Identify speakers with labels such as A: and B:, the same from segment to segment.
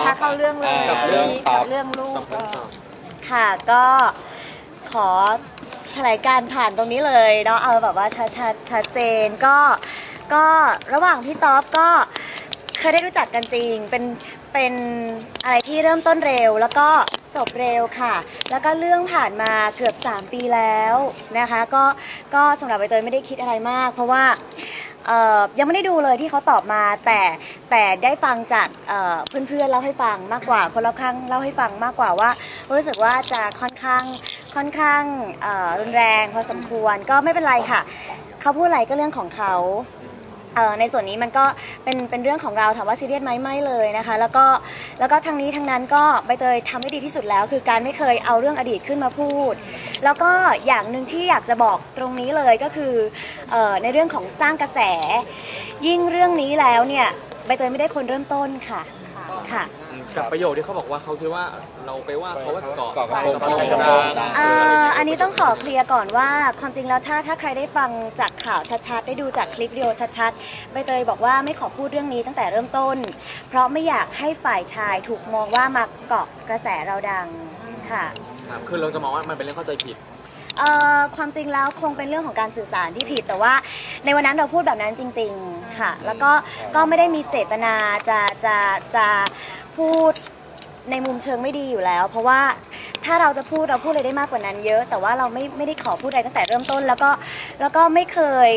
A: คะเข้าเรื่องเลยกับเรื่องลูกค่ะก็ขอแถลงการผ่านตรงนี้เลยเนาะเอาแบบว่าชัดเจนก็ระหว่างพี่ต๊อบก็เคยได้รู้จักกันจริงเป็นอะไรที่เริ่มต้นเร็วแล้วก็จบเร็วค่ะแล้วก็เรื่องผ่านมาเกือบ3 ปีแล้วนะคะก็สำหรับใบเตยไม่ได้คิดอะไรมากเพราะว่ายังไม่ได้ดูเลยที่เขาตอบมาแต่ได้ฟังจากเพื่อนๆเล่าให้ฟังมากกว่าคนรอบข้างเล่าให้ฟังมากกว่าว่ารู้สึกว่าจะค่อนข้างรุนแรงพอสมควรก็ไม่เป็นไรค่ะเขาพูดอะไรก็เรื่องของเขาในส่วนนี้มันก็เป็นเรื่องของเราถามว่าซีเรียสไหมไม่เลยนะคะแล้วก็ทั้งนี้ทั้งนั้นก็ใบเตยทำให้ดีที่สุดแล้วคือการไม่เคยเอาเรื่องอดีตขึ้นมาพูดแล้วก็อย่างหนึ่งที่อยากจะบอกตรงนี้เลยก็คือในเรื่องของสร้างกระแสยิ่งเรื่องนี้แล้วเนี่ยใบเตยไม่ได้คนเริ่มต้นค่ะ
B: กับประโยคที่เขาบอกว่าเขาคิดว่าเราไปว่าเขาว่าเกาะ
A: อันนี้ต้องขอเคลียร์ก่อนว่าความจริงแล้วถ้าใครได้ฟังจากข่าวชัดๆได้ดูจากคลิปวิดีโอชัดๆใบเตยบอกว่าไม่ขอพูดเรื่องนี้ตั้งแต่เริ่มต้นเพราะไม่อยากให้ฝ่ายชายถูกมองว่ามาเกาะกระแสเราดังค่ะ
B: คือเราจะมองว่ามันเป็นเรื่องเข้าใจผิด
A: ความจริงแล้วคงเป็นเรื่องของการสื่อสารที่ผิดแต่ว่าในวันนั้นเราพูดแบบนั้นจริงๆค่ะแล้วก็ไม่ได้มีเจตนาจะพูดในมุมเชิงไม่ดีอยู่แล้วเพราะว่าถ้าเราจะพูดเราพูดอะไรได้มากกว่านั้นเยอะแต่ว่าเราไม่ได้ขอพูดอะไรตั้งแต่เริ่มต้นแล้วก็ไม่เคย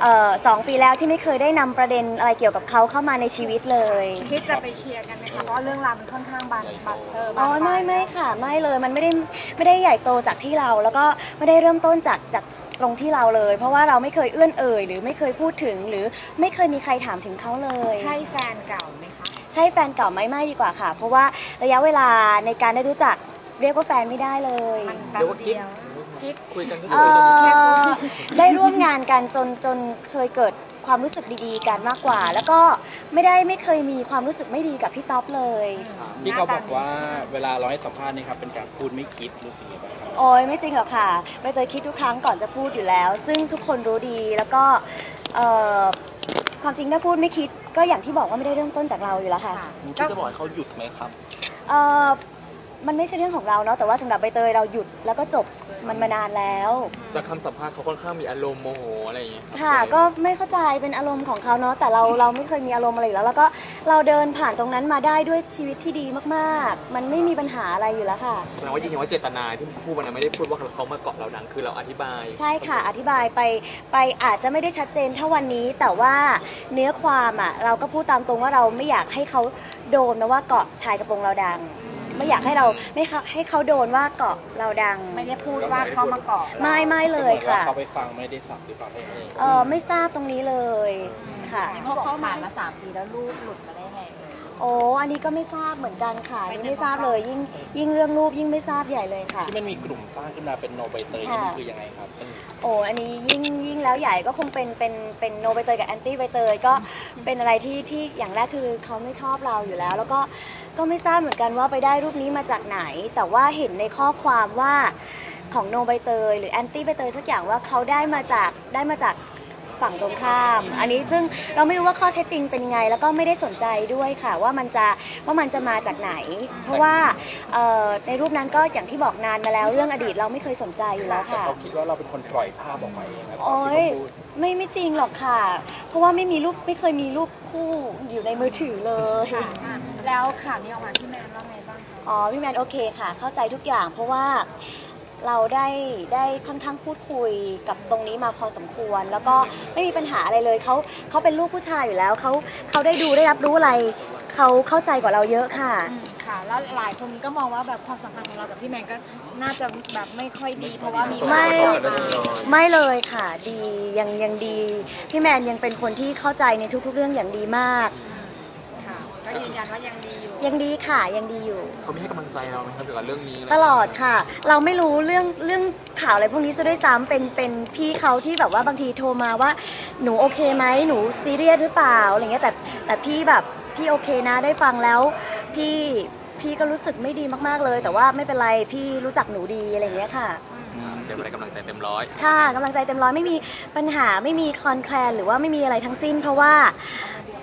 A: 2 ปีแล้วที่ไม่เคยได้นำประเด็นอะไรเกี่ยวกับเขาเข้ามาในชีวิตเลย
C: คิดจะไปเคลียร์กันไหมคะเพราะเรื่องราวมันค่อนข้างบาน
A: ไม่ค่ะไม่เลยมันไม่ได้ใหญ่โตจากที่เราแล้วก็ไม่ได้เริ่มต้นจากตรงที่เราเลยเพราะว่าเราไม่เคยเอื้อนเอ่ยหรือไม่เคยพูดถึงหรือไม่เคยมีใครถามถึงเขาเลย
C: ใช่แฟนเก่าไหมคะ
A: ใช่แฟนเก่าไม่ดีกว่าค่ะเพราะว่าระยะเวลาในการได้รู้จักเรียกว่าแฟนไม่ได้เลย
C: เรียกว่ากิ๊ก
B: คุยกัน
A: ได้ร่วมงานกันจนเคยเกิดความรู้สึกดีๆกันมากกว่าแล้วก็ไม่เคยมีความรู้สึกไม่ดีกับพี่ต๊อบเลย
D: ที่เขาบอกว่าเวลาเราให้สัมภาษณ์นี่ครับเป็นการพูดไม่คิดรู้สึกยังไงบ้าง
A: โอ้ยไม่จริงหรอกค่ะใบเตยคิดทุกครั้งก่อนจะพูดอยู่แล้วซึ่งทุกคนรู้ดีแล้วก็ความจริงถ้าพูดไม่คิดก็อย่างที่บอกว่าไม่ได้เริ่มต้นจากเราอยู่แล้วค่ะ
D: ที่จะบอกให้เขาหยุดไหมครับ
A: มันไม่ใช่เรื่องของเราเนาะแต่ว่าสำหรับใบเตยเราหยุดแล้วก็จบมันมานานแล้ว
B: จากคำสัมภาษณ์เขาค่อนข้างมีอารมณ์โมโหอะไรอย่างเงี้ย
A: ค่ะก็ไม่เข้าใจเป็นอารมณ์ของเขาเนาะแต่เราไม่เคยมีอารมณ์อะไรอยู่แล้วแล้วก็เราเดินผ่านตรงนั้นมาได้ด้วยชีวิตที่ดีมากๆมันไม่มีปัญหาอะไรอยู่แล้วค่ะ
B: แปลว่าจริงๆว่าเจตนาที่พูดวันนั้นไม่ได้พูดว่าเขามาเกาะเราดังคือเราอธิบาย
A: ใช่ค่ะอธิบายไปอาจจะไม่ได้ชัดเจนเท่าวันนี้แต่ว่าเนื้อความเราก็พูดตามตรงว่าเราไม่อยากให้เขาโดนนะว่าเกาะชายกระโปรงเราดังไม่อยากให้เราไม่ให้เขาโดนว่าเกาะเราดัง
C: ไม่ได้พูดว่าเขามาเกาะ
A: ไม่เลยค่ะ
D: เขาไปฟังไม่ได้สับหรือเปล่า
A: ไม่ทราบตรงนี้เลยค่ะ
C: เพราะเขาผ่านมา3 ปีแล้วลูกหลุดมาได้ไง
A: โอ้อันนี้ก็ไม่ทราบเหมือนกันค่ะไม่ทราบเลยยิ่งเรื่องรูปยิ่งไม่ทราบใหญ่เลยค่ะ
D: ที่มันมีกลุ่มสร้างขึ้นมาเป็นโนใบเตยนี่มันคือยังไงครับ
A: โอ้อันนี้ยิ่งแล้วใหญ่ก็คงเป็นโนใบเตยกับแอนตี้ใบเตยก็เป็นอะไรที่อย่างแรกคือเขาไม่ชอบเราอยู่แล้วแล้วก็ไม่ทราบเหมือนกันว่าไปได้รูปนี้มาจากไหนแต่ว่าเห็นในข้อความว่าของโนใบเตยหรือแอนตี้ใบเตยสักอย่างว่าเขาได้มาจากฝั่งตรงข้ามอันนี้ซึ่งเราไม่รู้ว่าข้อเท็จจริงเป็นยังไงแล้วก็ไม่ได้สนใจด้วยค่ะว่ามันจะมาจากไหนเพราะว่าในรูปนั้นก็อย่างที่บอกนานมาแล้วเรื่องอดีตเราไม่เคยสนใจอยู่แล้วค่ะ
D: เขาคิดว่าเราเป็นคนปล่อยภาพออกมาเอง
A: โอ้ยไม่จริงหรอกค่ะเพราะว่าไม่เคยมีรูปคู่อยู่ในมือถือเลย
C: แล้วข่าวนี้ออกมาพี่แมนว่าไงบ้าง
A: คะพี่แมนโอเคค่ะเข้าใจทุกอย่างเพราะว่าเราได้ค่อนข้างพูดคุยกับตรงนี้มาพอสมควรแล้วก็ไม่มีปัญหาอะไรเลยเขาเป็นลูกผู้ชายอยู่แล้วเขาได้รับรู้อะไรเขาเข้าใจกว่าเราเยอะค่ะ
C: ค่ะแล้วหลายคนก็มองว่าแบบความสัมพันธ์ของเรากับพี่แมนก็น่าจะแบบไม่ค่อยดีเพราะว่ามี
A: ไม่เลยค่ะดียังดีพี่แมนยังเป็นคนที่เข้าใจในทุกๆเรื่องอย่างดีมาก
C: ค่ะก็ยืนยันว่ายังดีอยู่
A: ยังดีค่ะยังดีอยู่
B: เขาไม่ให้กำลังใจเราไหมครับเกี่ยวกับเรื่องนี้
A: ตลอดค่ะเราไม่รู้เรื่องข่าวอะไรพวกนี้ซะด้วยซ้ำเป็นพี่เขาที่แบบว่าบางทีโทรมาว่าหนูโอเคไหมหนูซีเรียสหรือเปล่าอะไรเงี้ยแต่พี่แบบพี่โอเคนะได้ฟังแล้วพี่ก็รู้สึกไม่ดีมากๆเลยแต่ว่าไม่เป็นไรพี่รู้จักหนูดีอะไรเงี้ยค่ะ
B: เต็มอะไรกำลังใจเต็มร้อย
A: ค่ะกำลังใจเต็มร้อยไม่มีปัญหาไม่มีคลอนแคลนหรือว่าไม่มีอะไรทั้งสิ้นเพราะว่าพ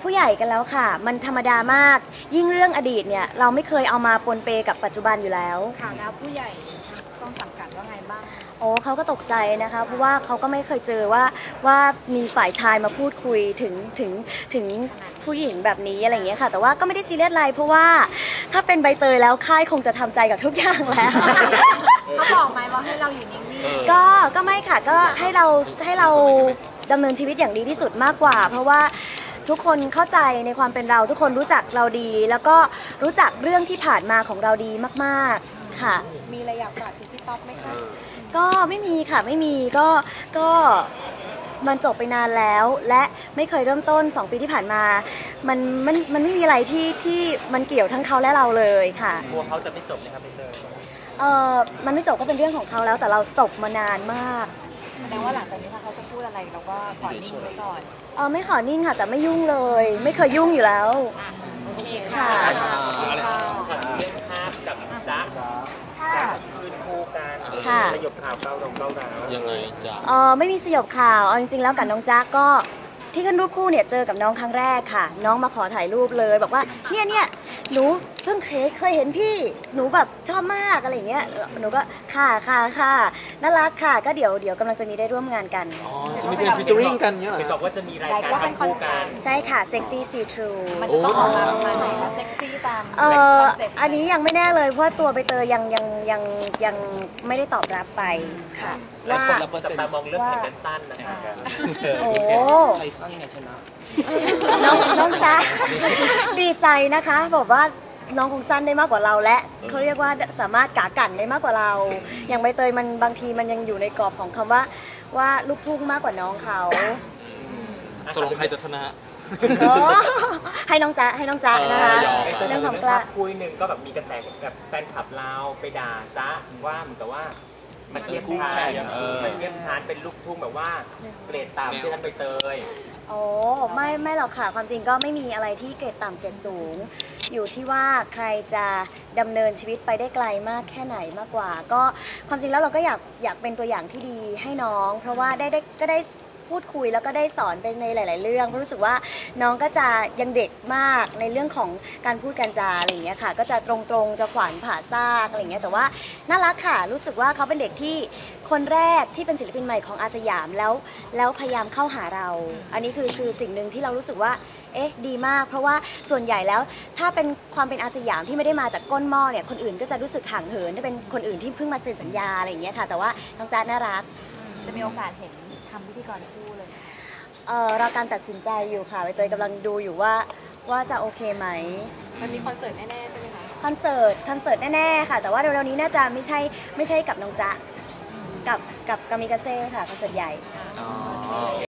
A: ผู้ใหญ่กันแล้วค่ะ มันธรรมดามากยิ่งเรื่องอดีตเนี่ยเราไม่เคยเอามาปนเปกับปัจจุบันอยู่แล้ว
C: ค่ะแล้วผู้ใหญ่ต้องสังกัดว่าไงบ้าง
A: โอ้เขาก็ตกใจนะคะเพราะว่าเขาก็ไม่เคยเจอว่ามีฝ่ายชายมาพูดคุยถึงผู้หญิงแบบนี้อะไรอย่างเงี้ยค่ะแต่ว่าก็ไม่ได้ซีเรียสอะไรเพราะว่าถ้าเป็นใบเตยแล้วค่ายคงจะทำใจกับทุกอย่างแล้ว
C: เขาบอกไหมว่าให้เราอยู่นิ่ง
A: ก็ไม่ค่ะก็ให้เราดำเนินชีวิตอย่างดีที่สุดมากกว่า เพราะว่าทุกคนเข้าใจในความเป็นเราทุกคนรู้จักเราดี แล้วก็รู้จักเรื่องที่ผ่านมาของเราดีมากๆค่ะ
C: ๆมีอะไรอยากฝากถึงพี่ต๊อบไหมคะ
A: ก็ไม่มีค่ะไม่มีก็มันจบไปนานแล้ว และไม่เคยเริ่มต้น2 ปีที่ผ่านมามันไม่มีอะไรที่มันเกี่ยวทั้งเขาและเราเลยค่ะ
E: กลัวเขาจะไม่จบนะครับพี่เตย
A: มันไม่จบก็เป็นเรื่องของเขาแล้วแต่เราจบมานานมาก
C: แสดงว่าหลังจากนี้ถ้าเขาจะพูดอะไรเราก็ขอนิ่งไว้ก่อน
A: ไม่ขอนิ่งค่ะแต่ไม่ยุ่งเลย ไม่เคยยุ่งอยู่แล้ว
C: โอเค
A: ค่ะ
E: ถามเรื่องภาพกับจ๊ะ
A: ค่ะ
E: คืนคู่กัน
A: ค่ะ
E: สยบข่าวเก้าร้าว
B: ยังไงจ๊ะ
A: ไม่มีสยบข่าวเอาจริงๆแล้วกับน้องจ๊ะก็ที่ขึ้นรูปคู่เนี่ยเจอกับน้องครั้งแรกค่ะ น้องมาขอถ่ายรูปเลยบอกว่าเนี่ยหนูเพิ่งเคยเห็นพี่หนูแบบชอบมากอะไรอย่างเงี้ยหนูก็ค่ะน่ารักค่ะก็เดี๋ยวกำลังจะมีได้ร่วมงานกัน
B: อ๋อ จะมีเพลงฟิชเจอริงกันเนี้ยเหรอ
E: เห็นบอกว่าจะมีรายการทำคู่กัน
A: ใช่ค่ะ Sexy See Through
C: มันจะต้องออกมาประมาณไหนคะเซ็กซี่ตาม
A: อันนี้ยังไม่แน่เลยเพราะว่าตัวใบเตยยังไม่ได้ตอบรับไปค่ะ
E: และ
A: ว่า
E: คนละจับตามองเรื่องแข่งกันสั้นนะคะ
A: โอ้
D: ใครสั้นไงชนะ
A: น้องจ๊ะ ดีใจนะคะบอกว่าน้องคงสั้นได้มากกว่าเราและเขาเรียกว่าสามารถกากันได้มากกว่าเรา อย่างใบเตยมันบางทีมันยังอยู่ในกรอบของคำว่าลูกทุ่งมากกว่าน้องเขา
B: ตกลงใครจะชนะ
A: โอ้ให้น้องจ๊ะนะคะ
E: เรื่
A: เรื่
E: อ
A: อง ง
E: ข
A: ข
E: อ
A: อง ง
E: ก
A: ก
E: ล้า
A: ล้า
E: คุยหนึ่งก็แบบมีกระแสกับแฟนคลับเราไปด่าจ๊ะว่าเหมือนกับว่ามันเทียบชานมันเทียบชานเป็นลูกทุ่งแบบว่าเกรดต่ำที่ท่านไปเตย
A: โอ้ไม่หรอกค่ะความจริงก็ไม่มีอะไรที่เกรดต่ำเกรดสูง อยู่ที่ว่าใครจะดำเนินชีวิตไปได้ไกลมากแค่ไหนมากกว่า ก็ความจริงแล้วเราก็อยากเป็นตัวอย่างที่ดีให้น้อง เพราะว่าก็ได้พูดคุยแล้วก็ได้สอนไปในหลาย ๆ เรื่องเพราะรู้สึกว่าน้องก็จะยังเด็กมากในเรื่องของการพูดการจาอะไรอย่างเงี้ยค่ะก็จะตรงๆจะขวานผ่าซากอะไรอย่างเงี้ยแต่ว่าน่ารักค่ะรู้สึกว่าเขาเป็นเด็กที่คนแรกที่เป็นศิลปินใหม่ของอาสยามแล้วพยายามเข้าหาเรา อันนี้คือสิ่งหนึ่งที่เรารู้สึกว่าดีมากเพราะว่าส่วนใหญ่แล้วถ้าเป็นความเป็นอาสยามที่ไม่ได้มาจากก้นหม้อเนี่ยคนอื่นก็จะรู้สึกห่างเหินถ้าเป็นคนอื่นที่เพิ่งมาเซ็นสัญญาอะไรอย่างเงี้ยค่ะแต่ว่าน้องจ๊ะน่ารัก
C: จะมีโอกาสเห็นทำพิธีกรคู่เลย
A: เราการตัดสินใจอยู่ค่ะใบเตยกำลังดูอยู่ว่าจะโอเคไหม
C: มันมีคอนเสิร์ตแน่ๆใช่ไหมคะ
A: คอนเสิร์ตแน่ๆค่ะ แต่ว่าเร็วๆนี้น่าจะไม่ใช่กับน้องจ๊ะกับกามิกาเซ่ค่ะคอนเสิร์ตใหญ่